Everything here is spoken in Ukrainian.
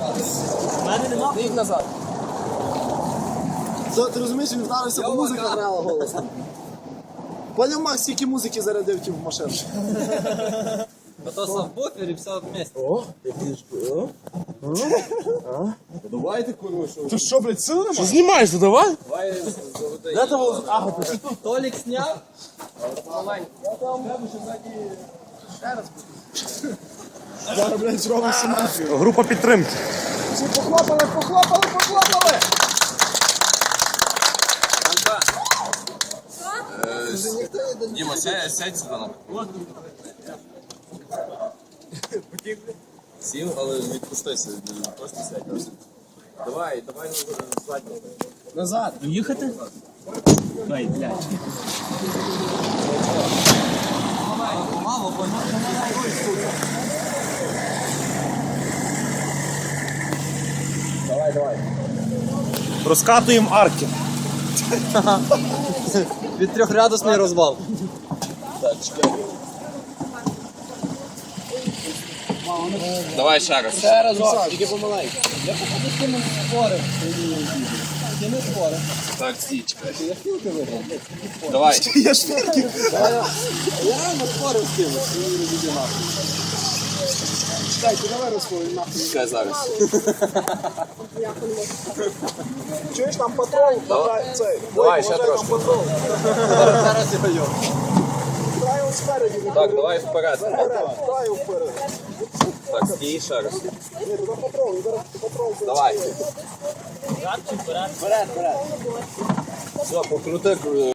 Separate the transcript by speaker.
Speaker 1: У мене нема.
Speaker 2: Їх назад. Ти розумієш, він вдарився, бо музика грала голосно. Поняв, Макс, скільки музики зарядив ті в машину?
Speaker 1: А то сабвуфер і все вместе.
Speaker 2: О, давайте, курва, що? Ти що, блядь, сили нема? Що
Speaker 3: Знімаєш, давай?
Speaker 2: Де того? Ага, ти що?
Speaker 1: Толік сняв.
Speaker 2: Зараз, блядь, зробимо симметрію.
Speaker 3: Група підтримки.
Speaker 2: Всі похлопали!
Speaker 4: Діма, сядь сюди на. Сів, але відпустися, просто сядь. Давай задню.
Speaker 2: Назад.
Speaker 1: Їхати? Ой, блядь. Мало, бо
Speaker 2: Давай.
Speaker 3: Розкатуємо арки.
Speaker 1: від 3-градусний розвал.
Speaker 4: Так, чекай. Давай ще раз.
Speaker 2: Ще разок, тільки помаленьку.
Speaker 1: Я походу з кимось спорив. Ти не спорив.
Speaker 4: Так, стій, чекай. Давай.
Speaker 2: Я швидкий.
Speaker 1: Я реально спорив з кимось. Він розіб'є нахуй.
Speaker 2: Чекай, ти давай розповім нахуй.
Speaker 4: Чекай зараз.
Speaker 2: Чуєш, там патрон?
Speaker 4: Давай, ще трошки.
Speaker 1: Зараз я його.
Speaker 2: Дай його спереді.
Speaker 4: Так, давай вперед.
Speaker 2: Дай його вперед.
Speaker 4: Так, стій ще раз.
Speaker 2: Ні, туди патрон, зараз патрон.
Speaker 4: Давай.
Speaker 1: Вперед.
Speaker 4: Все, покрути.